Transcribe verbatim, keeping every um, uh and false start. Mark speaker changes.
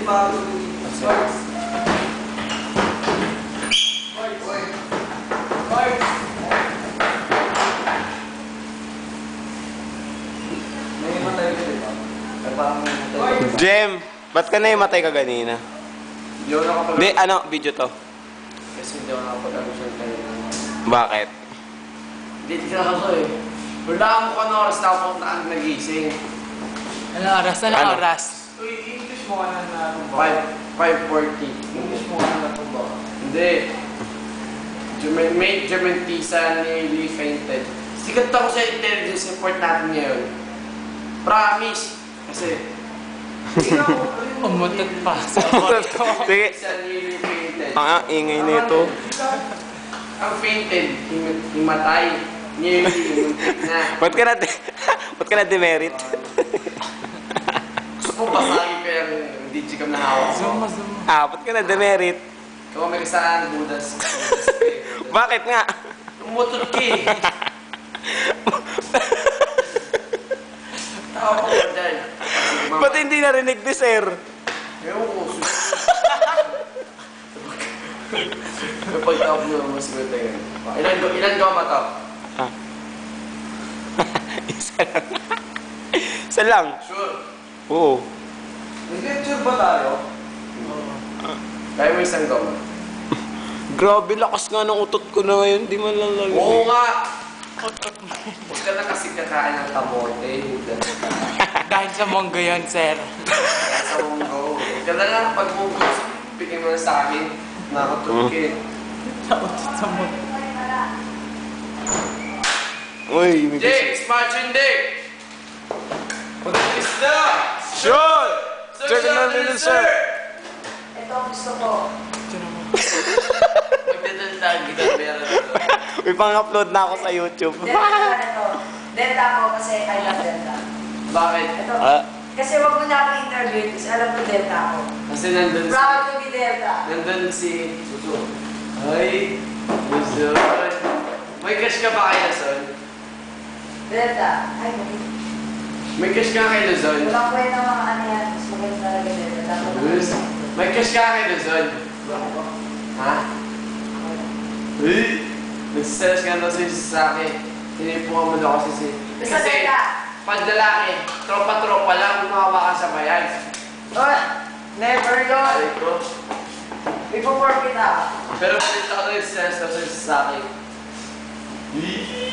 Speaker 1: bago dito. Sports. Sports. Sports. May matay ka dito. Ay parang may matay.
Speaker 2: Jem, ba't ka na imatay ka ganina?
Speaker 1: Hindi ako nakapag-
Speaker 2: Hindi, ano, video to.
Speaker 1: Kasi hindi ako nakapag-alusyon kayo.
Speaker 2: Bakit?
Speaker 1: Hindi, tignan ako eh. Wala ako kung ano oras na ako nagising.
Speaker 3: Ano oras? Ano
Speaker 2: Ano?
Speaker 3: oras?
Speaker 4: Uy, English mo ka na natumba.
Speaker 1: five forty.
Speaker 4: English mo ka na natumba.
Speaker 1: Hindi. German, may German Tisa nearly fainted. Sikat ako sa intelligence report natin ngayon. Promise. Kasi,
Speaker 3: Umutot pa sa
Speaker 2: Sige.
Speaker 1: Tisa nearly fainted.
Speaker 2: Ah, ingay nito.
Speaker 1: Ang fainted, him- himatay. Nearly, himuntik na.
Speaker 2: Ba't ka na, ba't ka na demerit?
Speaker 1: Gusto mo basagin ko yung digicam na hawak ko.
Speaker 3: Zoom, zoom.
Speaker 2: Ah, ba't ka na demerit?
Speaker 1: Kung may kasaan, budas.
Speaker 2: Bakit nga?
Speaker 1: Umutot ka eh. Tao ko ba dyan?
Speaker 2: Ba't hindi narinig ni sir?
Speaker 1: Ewan ko. Kapag tawag mo, mas good na yun. Ilan go, ilan go mata?
Speaker 2: Ah. Isa lang. Isa lang.
Speaker 1: Sure.
Speaker 2: Oo.
Speaker 4: Nag-lecture ba tayo?
Speaker 1: Kaya mo isang go.
Speaker 2: Grabe, lakas nga ng utot ko na ngayon. Di man lang lang.
Speaker 1: Oo nga! Huwag ka na kasi kakain ng kamote.
Speaker 3: Dahil sa monggo yun, sir.
Speaker 1: Kaya sa munggo. Huwag ka na lang pag munggo. Pigin mo na sa akin. Nakatulkit.
Speaker 3: Nautot sa monggo.
Speaker 2: Uy, may
Speaker 1: Jake! Smart yun, Dick! Pag-alis na!
Speaker 2: Sean! Check
Speaker 1: Social
Speaker 2: na nila, sir!
Speaker 5: Ito ang gusto ko.
Speaker 1: Magdadaldag, ginabera na ito.
Speaker 2: May pang-upload na ako sa YouTube.
Speaker 5: Delta na ito. Delta ako kasi I love Delta.
Speaker 1: Bakit?
Speaker 5: Ito.
Speaker 2: Ah.
Speaker 5: Kasi wag mo na akong interview kasi alam ko Delta ako.
Speaker 1: Kasi nandun si...
Speaker 5: Proud to be Delta.
Speaker 1: Nandun si... Suso. Ay! Luzon! May cash ka ba kay Luzon?
Speaker 5: Delta. Ay, may.
Speaker 1: May cash ka kay Luzon?
Speaker 5: Walang kwenta mga ano yan. Mas maganda talaga Delta. Dapat
Speaker 1: Luz? May cash ka kay Luzon? Ha? Uy! Nagsiselos ka daw si sa akin. Tinipungan mo daw kasi si...
Speaker 5: Basta Delta.
Speaker 1: pag lalaki, tropa-tropa lang, gumawa ka sa bayan.
Speaker 5: Oh, never yun.
Speaker 1: Ay ko.
Speaker 5: May po-forfeit ako.
Speaker 1: Pero pinita ko daw yung sense daw sa akin.